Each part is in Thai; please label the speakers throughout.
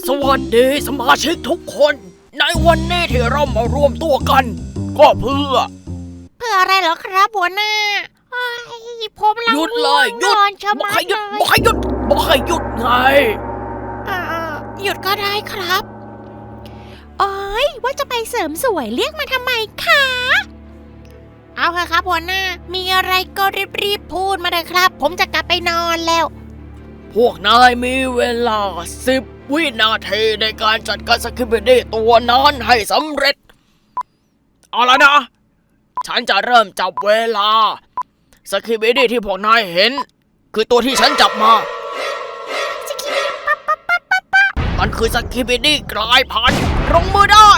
Speaker 1: สวัสดีสมาชิกทุกคนในวันนี้ที่เรามารวมตัวกันก็เพื่อ
Speaker 2: อะไรเหรอครับหัวหน้าผมละ
Speaker 1: หยุดเลยหยุด
Speaker 2: นอนชะ
Speaker 1: บอ
Speaker 2: มั
Speaker 1: ก
Speaker 2: ด
Speaker 1: ให้หยุด
Speaker 2: เลย
Speaker 1: บอกให้หยุดบอกให้หยุดไง
Speaker 2: หยุดก็ได้ครับโอ้ยว่าจะไปเสริมสวยเรียกมาทำไมคะเอาเถอะครับหัวหน้ามีอะไรก็รีบพูดมาเลยครับผมจะกลับไปนอนแล้ว
Speaker 1: พวกนายมีเวลา10 วินาทีในการจัดการสกิปปี้ตัวนั้นให้สำเร็จเอาละนะฉันจะเริ่มจับเวลาสกิปปี้ที่พวกนายเห็นคือตัวที่ฉันจับมามันคือสกิปปี้กลายพันธุ์ลงมือได้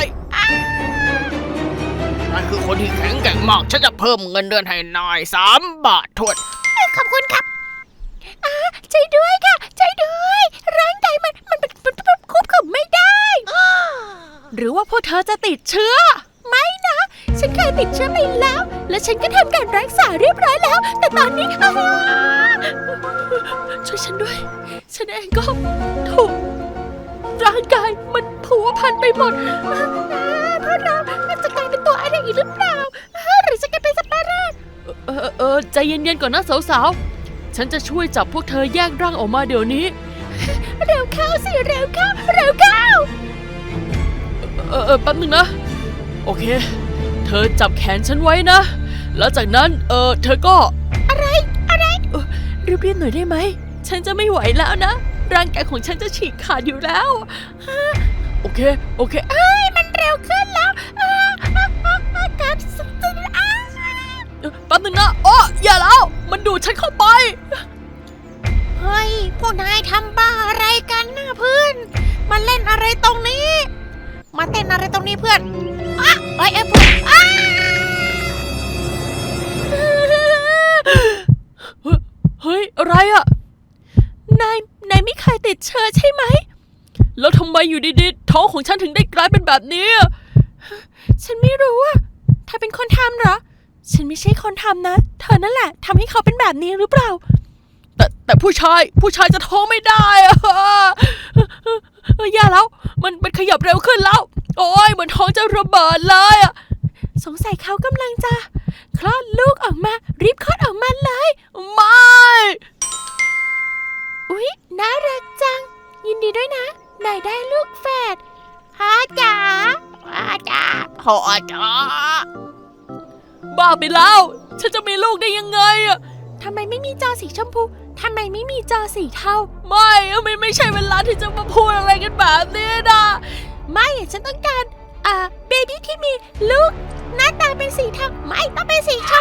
Speaker 1: นั่นคือคนที่แข็งแกร่งมากฉันจะเพิ่มเงินเดือนให้นาย3 บาททวน
Speaker 2: ขอบคุณครับใจด้วยค่ะใจด้วยร่างกายมันควบคุมไม่ได้
Speaker 3: หรือว่าพวกเธอจะติดเชื้อ
Speaker 2: ไม่นะฉันเคยติดเชื้อไปแล้วและฉันก็ทำการรักษาเรียบร้อยแล้วแต่ตอนนี้
Speaker 3: ช่วยฉันด้วยฉันเองก็ถูกร่างกายมันผัวพันไปหมด
Speaker 2: เพราะเราจะกลายเป็นตัวอะไรอีกหรือเปล่าหรือจะกลายเป็นสัตว์ประหลาด
Speaker 3: ใจเย็นๆก่อนนะสาวๆฉันจะช่วยจับพวกเธอแยกร่างออกมาเดี๋ยวนี้
Speaker 2: เร็วเข้าสิเร็วเข้า
Speaker 3: แป๊บนึงนะโอเคเธอจับแขนฉันไว้นะแล้วจากนั้นเธอก็
Speaker 2: อะไร
Speaker 3: รีบๆหน่อยได้ไหมฉันจะไม่ไหวแล้วนะร่างกายของฉันจะฉีกขาดอยู่แล้วโอเค
Speaker 2: มันเร็วขึ้นแล้วการ
Speaker 3: แป๊บนึงนะอย่าแล้วมันดูดฉันเข้าไป
Speaker 2: เฮ้ยพวกนายทำบ้าอะไรกันนะเพื่อนมาเล่นอะไรตรงนี้มาเต้นอะไรตรงนี้เพื่อนเ
Speaker 3: ฮ้ยอะไรอะนายไม่เคยติดเชื้อใช่ไหมแล้วทำไมอยู่ดีๆท้องของฉันถึงได้กลายเป็นแบบนี้ฉันไม่รู้อะเธอเป็นคนทำเหรอฉันไม่ใช่คนทำนะเธอนั่นแหละทำให้เขาเป็นแบบนี้หรือเปล่าแต่ผู้ชายจะท้องไม่ได้อะอย่าแล้วมันขยับเร็วขึ้นแล้วโอ้ยเหมือนท้องจะระเบิดเลยอะสงสัยเขากำลังจะคลอดลูกออกมารีบคลอดออกมาเลยไม่
Speaker 2: อุ๊ยน่ารักจังยินดีด้วยนะนายได้ลูกแฝดพ่อจ๋า
Speaker 1: พ่อจ๋า
Speaker 3: บ้าไปแล้วฉันจะมีลูกได้ยังไงอะ
Speaker 2: ทำไมไม่มีจอสีชมพูทำไมไม่มีจอสีเทา
Speaker 3: ไม่ใช่เวลาที่จะมาพูดอะไรกันแบบนี้นะ
Speaker 2: ไม่ฉันต้องการเบบี้ที่มีลูกหน้าตาเป็นสีเทาไม่ต้องเป็นสีช